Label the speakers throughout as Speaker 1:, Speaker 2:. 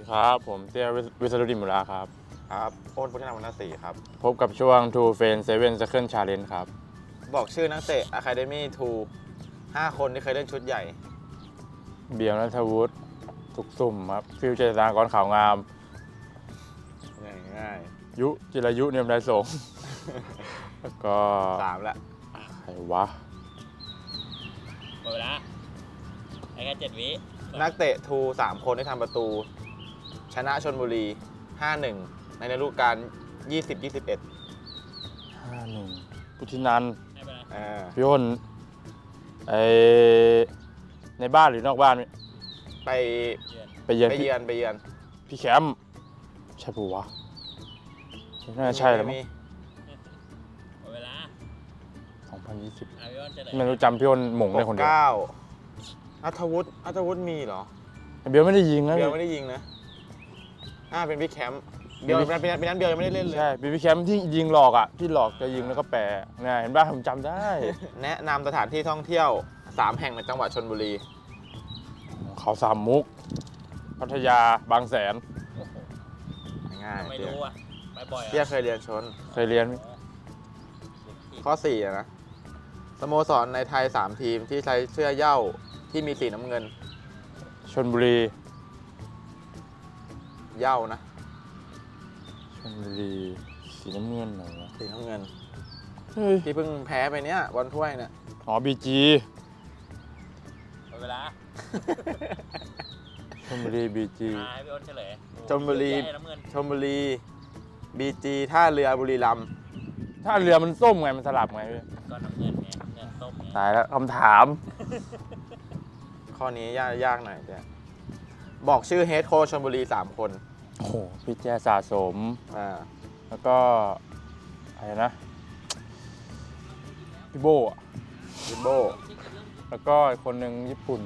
Speaker 1: ครับผมเตี้ยวิศรุดิมุราครับ
Speaker 2: ครับโอนพุทธนามวรรณศรีครับ
Speaker 1: พบกับช่วง Two f r i e n d 7 Second Challenge ครับ
Speaker 2: บอกชื่อนักเตะ Academy 5 คนที่เคยเล่นชุดใหญ่
Speaker 1: เบียร์ณัฐวุฒิทุกสุ่มครับฟิวเจอร์ตากรข่าวงาม
Speaker 2: ง่าย
Speaker 1: ยุจิรายุเนียมไทยสงฆ์ แล้วก็
Speaker 2: 3ละ
Speaker 1: ใครวะ
Speaker 3: หมดเวลาไอ้แค่7 วิ
Speaker 2: นักเตะ3 คนที่ทำประตู ชนะชลบุรี 5-1 ในฤดูกาล 20-21
Speaker 1: 51 พุทธินันท์
Speaker 3: ให้ไปนะ
Speaker 1: พี่อ้นในบ้านหรือนอกบ้าน
Speaker 2: ไป
Speaker 3: เยือน
Speaker 1: ไปเยือน
Speaker 2: ไปเยือน
Speaker 1: พี่แคมป์ใช่ปะวะน่าจะใช่แล้วมั้ง
Speaker 3: หมดเวลา
Speaker 1: 2020
Speaker 3: พี่อ้นเฉลย
Speaker 1: ไม่รู้จำพี่อ้นหม่งได้คนเดียว
Speaker 2: 69อัธวุฒิมีเหรอ
Speaker 1: เบียร์ไม่ได้ยิงนะ
Speaker 2: เบียร์ไม่ได้ยิงนะเป็นบิ๊กแคมป์เบียร์เป็นนั้นเบียร์ยังไม่ได้เล่นเลย
Speaker 1: ใช่พี่แคมป์ที่ยิงหลอกอ่ะที่หลอกจะยิงแล้วก็แปะเนี่ยเห็นป่ะผมจำได้
Speaker 2: แนะนำสถานที่ท่องเที่ยว 3 แห่งในจังหวัดชลบุรี
Speaker 1: เขาสามมุก พัทยาบางแสน
Speaker 2: ง่าย
Speaker 3: ไม่รู้อ่ะไปบ่อย
Speaker 2: เตี้ยเคยเรียนชน
Speaker 1: เคยเรียนไหม
Speaker 2: ข้อ4อะนะสโมสรในไทย 3 ทีมที่ใช้เสื้อเหย้าที่มีสีน้ำเงิน
Speaker 1: ชลบุรี
Speaker 2: เหย้านะ
Speaker 1: ชลบุรีสีน้ำเงินเหรอวะ
Speaker 2: สีน้ำเงิน
Speaker 1: เฮ้ย
Speaker 2: ที่เพิ่งแพ้ไปเนี้ยบอลถ้วยเนี่ย
Speaker 1: อ๋อบีจี
Speaker 3: หมดเวลา
Speaker 1: ชลบุรีบีจี
Speaker 3: ให้พี่อ้นเฉลย
Speaker 2: ชลบุรี
Speaker 3: ให้น้ำเงิน
Speaker 2: ชลบุรีบีจีท่าเรือบุรีรัมย์
Speaker 1: ถ้าเรือมันส้มไงมันสลับไงพี่
Speaker 3: ก็น้ำเงินไงน้ำเงินส้มไง
Speaker 1: ตายแล้วคำถาม
Speaker 2: ข้อนี้ยากหน่อยเตี้ยบอกชื่อเฮดโค้ชชลบุรี 3 คน
Speaker 1: โอ้โหพี่แจสะสม
Speaker 2: อ่า
Speaker 1: แล้วก็อะไรนะพี่โบอะ
Speaker 2: ลิมโบ
Speaker 1: แล้วก็อีกคนหนึ่งญี่ปุ่น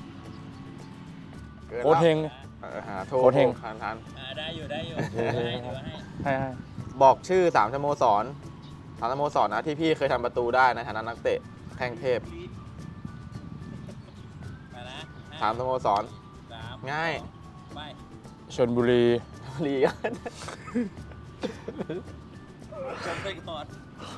Speaker 2: กิน
Speaker 1: โค้ชเฮง
Speaker 2: หาโท
Speaker 1: โค้ชเฮง
Speaker 2: ทัน
Speaker 3: ได้อยู่ได้อยู่
Speaker 1: โอเค
Speaker 3: ให้ถือว่าให้
Speaker 1: ให้
Speaker 2: บอกชื่อ3 สโมสร3 สโมสรนะที่พี่เคยทำประตูได้ในฐานะนักเตะแข้งเทพ
Speaker 3: ไปนะ
Speaker 2: 3 สโมสร
Speaker 3: 3
Speaker 2: ง่าย
Speaker 3: 2ไป
Speaker 1: ชลบุรี
Speaker 2: ลีกัน
Speaker 3: จบไปก่อน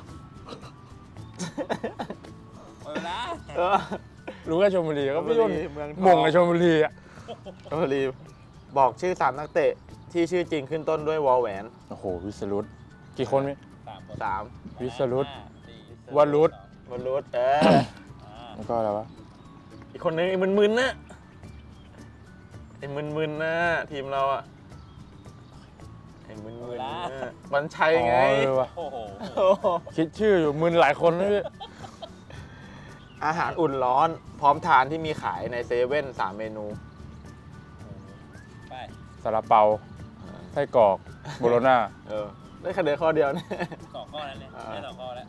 Speaker 3: หมดเวลา
Speaker 1: รู้แค่ชลบุรีก็พี่ยน
Speaker 2: เมืองท
Speaker 1: หมงในชลบุรีอ่ะ
Speaker 2: ชลบุรีบอกชื่อ3 นักเตะที่ชื่อจริงขึ้นต้นด้วยวอลแหวน
Speaker 1: โอ้โหวิสรุตกี่คนพี่
Speaker 3: 3 คน
Speaker 2: 3
Speaker 1: วิสรุต
Speaker 3: 5 4
Speaker 1: วรุต
Speaker 2: วรุษ
Speaker 1: แล้วก็อะไรวะ
Speaker 2: อีกคนนึงไอ้มึนๆนะไอ้มึนๆนะทีมเราอะไอ้มึนๆนะวันชัยไง
Speaker 1: อ๋อเออว่ะ
Speaker 3: โอ้โห
Speaker 2: โอ้โห
Speaker 1: คิดชื่ออยู่มึนหลายคนนะพี่
Speaker 2: อาหารอุ่นร้อนพร้อมทานที่มีขายในเซเว่น3 เมนู
Speaker 3: ไป
Speaker 1: ซาลาเปาไส้กรอกโบโลน่า
Speaker 2: ได้คะแนนข้อเดียวเนี่ย
Speaker 3: 2 ข้อแล้วเนี่ยได้2 ข้อแล้ว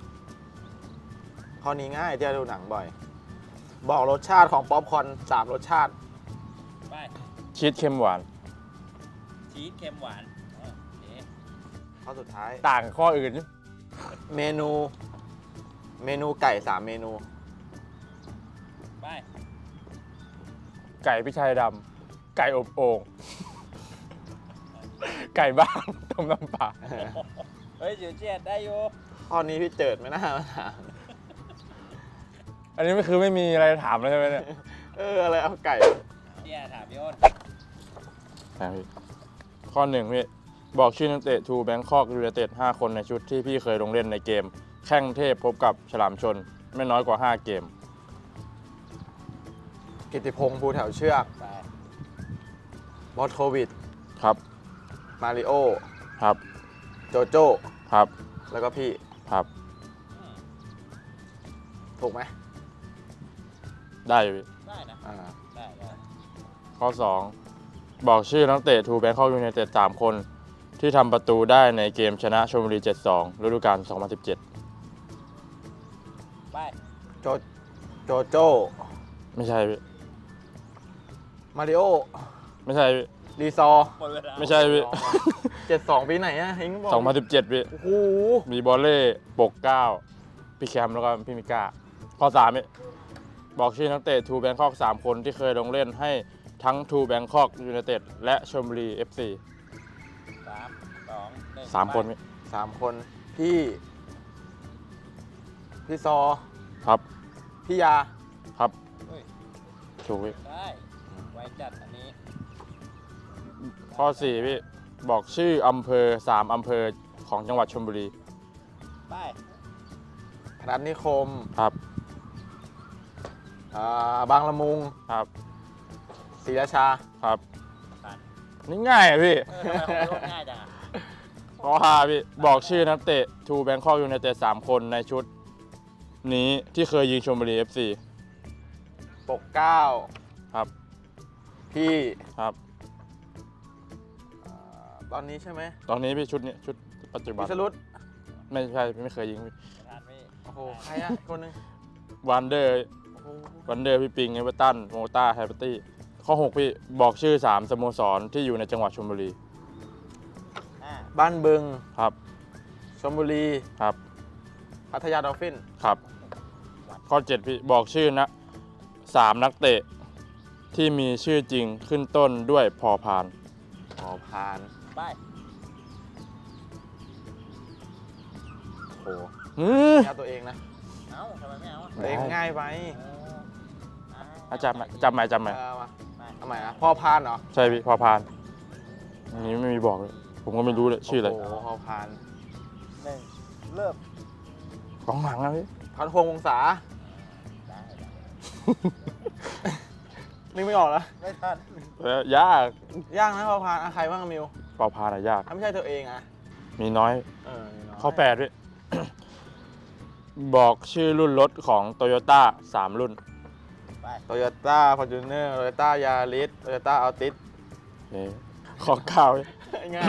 Speaker 2: ข้อนี้ง่ายที่จะดูหนังบ่อย บอกรสชาติของป๊อปคอร์น3 รสชาติ
Speaker 3: ไป
Speaker 1: ชีสเค็มหวาน
Speaker 3: ชีสเค็มหวานโอเค
Speaker 2: ข้อสุดท้าย
Speaker 1: ต่างกับข้ออื่น
Speaker 2: เมนูไก่3 เมนู
Speaker 3: ไป
Speaker 1: ไก่พิชัยดำไก่อบโอ่งไก่บ้านต้มน้ำปลา
Speaker 3: เฮ้ยจิ๋วเจียดได้อยู่
Speaker 2: ข้อนี้พี่เจิดไม่น่ามาถาม
Speaker 1: อันนี้ไม่คือไม่มีอะไรถามแล้วใช่ไหมเนี่ย
Speaker 2: อะไรเอาไก่
Speaker 3: เจียถามพี่อ้น
Speaker 1: ข้อหนึ่งพี่บอกชื่อนักเตะทูแบงคอกยูไนเต็ด5 คนในชุดที่พี่เคยลงเล่นในเกม แข้งเทพพบกับฉลามชนไม่น้อยกว่า 5 เกม
Speaker 2: กิติพงษ์ภูแถวเชือก
Speaker 3: ไป
Speaker 2: มอสโควิด
Speaker 1: ครับ
Speaker 2: มาริโอ
Speaker 1: ครับ
Speaker 2: โจโจ้
Speaker 1: ครับ
Speaker 2: แล้วก็พี่
Speaker 1: ครับ
Speaker 2: ถูกไหม
Speaker 1: ได้อยู่พี่
Speaker 3: ได้นะ ได้ได้
Speaker 1: ข้อ 2 บอกชื่อนักเตะทูแบงคอกยูไนเต็ด3 คนที่ทำประตูได้ในเกมชนะชลบุรี 7-2 ฤดูกาล 2017
Speaker 3: ไป
Speaker 2: โจโจ้
Speaker 1: ไม่ใช่พี่
Speaker 2: มาริโอ
Speaker 1: ไม่ใช่พี่
Speaker 2: รีซอร์
Speaker 3: หมดเวลา
Speaker 1: ไม่ใช่พี่
Speaker 2: 72 ปีไหนอะเฮงบอก
Speaker 1: 2017พี่
Speaker 2: โอ้โห
Speaker 1: มีบอลเล่ปกเก้าพี่แคมแล้วก็พี่มิก้าข้อ3พี่บอกชื่อนักเตะทูแบงคอก3 คนที่เคยลงเล่นให้ทั้งทูแบงคอกยูไนเต็ดและชลบุรี FC
Speaker 3: 3 2 1
Speaker 1: 3 คนพี่
Speaker 2: 3 คนพี่ซอ
Speaker 1: ครับ
Speaker 2: พี่ยา
Speaker 1: ครับ
Speaker 3: เฮ้ย
Speaker 1: ถูกพี่
Speaker 3: ได้ไว้จัดอันนี้
Speaker 1: ข้อ 4 พี่ บอกชื่ออำเภอ 3 อำเภอของจังหวัดชลบุรี
Speaker 3: ไป
Speaker 2: พนัสนิคม
Speaker 1: ครับ
Speaker 2: บางละมุง
Speaker 1: ครับ
Speaker 2: ศรีราชา
Speaker 1: ครับ
Speaker 3: ผ่าน
Speaker 1: นี่ง่ายอะพี่
Speaker 3: ทำไมของรถง่ายจังอ่ะ
Speaker 1: ข้อ 5 พี่ บอกชื่อนักเตะทูแบงคอกยูไนเต็ด3 คนในชุดนี้ที่เคยยิงชลบุรี FC
Speaker 2: ปกเกล้า
Speaker 1: ครับ
Speaker 2: พี่
Speaker 1: ครับ
Speaker 2: ตอนนี้ใช่ไหม
Speaker 1: ตอนนี้พี่ชุดนี้ชุดปัจจุบั
Speaker 2: พิ
Speaker 1: น
Speaker 2: สรุต
Speaker 1: ไม่ใช่ไม่เคยยิงพี่
Speaker 3: ทานพี่
Speaker 2: โอ้โหใครอะคนหนึง
Speaker 1: วันเดอร์
Speaker 2: โอ้โห
Speaker 1: วันเดอร์พี่ปิงเอเวอร์ตันโมต้าไฮเปอร์ตี้ข้อ 6 พี่บอกชื่อ 3 สโมสรที่อยู่ในจังหวัดชลบุรี
Speaker 3: 5
Speaker 2: บ้านบึง
Speaker 1: ครับ
Speaker 2: ชลบุรี
Speaker 1: ครับ
Speaker 2: พัทยาดอลฟิน
Speaker 1: ครับ ข้อ 7 พี่บอกชื่อนะ3 นักเตะที่มีชื่อจริงขึ้นต้นด้วยพอพาน
Speaker 2: หอพาน
Speaker 3: ไป
Speaker 2: โอ้โห
Speaker 1: อือ
Speaker 2: เอาตัวเองนะ
Speaker 3: เอ้าทำไมไม่เอาอ่ะ
Speaker 2: ตัวเองง่ายไป
Speaker 1: จำไหมจำไหม
Speaker 2: มา
Speaker 3: ไป
Speaker 2: ทำไมนะพ่อพานเหรอ
Speaker 1: ใช่พี่พอพานอันนี้ไม่มีบอกเลยผมก็ไม่รู้เลยชื่ออะไร
Speaker 2: โอ้โหพ่อพาน
Speaker 3: 1 เริ่ม
Speaker 1: กองหลังนะพี่
Speaker 2: พันพวงวงศา
Speaker 3: ได้
Speaker 2: นึกไม่ออกแล้ว
Speaker 3: ไม่ทัน
Speaker 1: ยาก
Speaker 2: ยากนะพ่อพานใครบ้างอะมิว
Speaker 1: พอพานอะยาก
Speaker 2: ถ้าไม่ใช่ตัวเองอะ
Speaker 1: มีน้อย
Speaker 2: มีน้ย
Speaker 1: ข้อ 8 พี่ บอกชื่อรุ่นรถของโตโยต้า3 รุ่น
Speaker 3: ไป
Speaker 2: โตโยต้าฟอร์จูเนอร์โตโยต้ายาริสโตโยต้าอัลติส
Speaker 1: ข้อ 9พี่
Speaker 2: ง่าย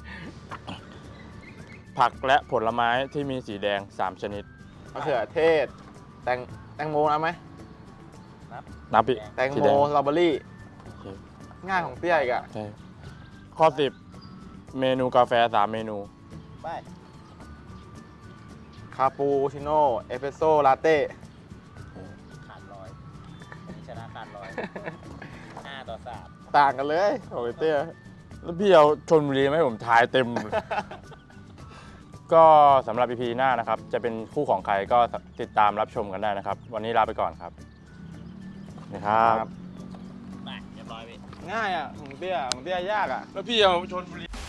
Speaker 1: ผักและผลไม้ที่มีสีแดง 3 ชนิด
Speaker 2: มะเขือเทศ แตงโมนะไหม
Speaker 1: นับพี่
Speaker 2: แตง
Speaker 1: สี
Speaker 2: โม
Speaker 1: แด
Speaker 2: สตรอเบอรี่
Speaker 1: โอเค
Speaker 2: ง่ายของเตี้ยอีกอะ
Speaker 1: ใช่ข้อ 10 เมนูกาแฟ 3 เมนู
Speaker 3: ไป
Speaker 2: คาปูชิโน่เอสเปรสโซ่ลาเต้
Speaker 3: ขาดร้อยอันนี้ชนะขาดร้อย5 ต่อ 3
Speaker 2: ต่างกันเลย
Speaker 1: โอ้ยเตี้ยแล้วพี่เอาชนบุรีไหมาให้ผมทายเต็ม ก็สำหรับ EP หน้านะครับ จะเป็นคู่ของใครก็ติดตามรับชมกันได้นะครับ วันนี้ลาไปก่อนครับนะครับ
Speaker 3: ไปเรียบร้อยพี่
Speaker 2: ง่ายอะของเตี้ยยากอะ
Speaker 1: แล้วพี่เอาชนบุรี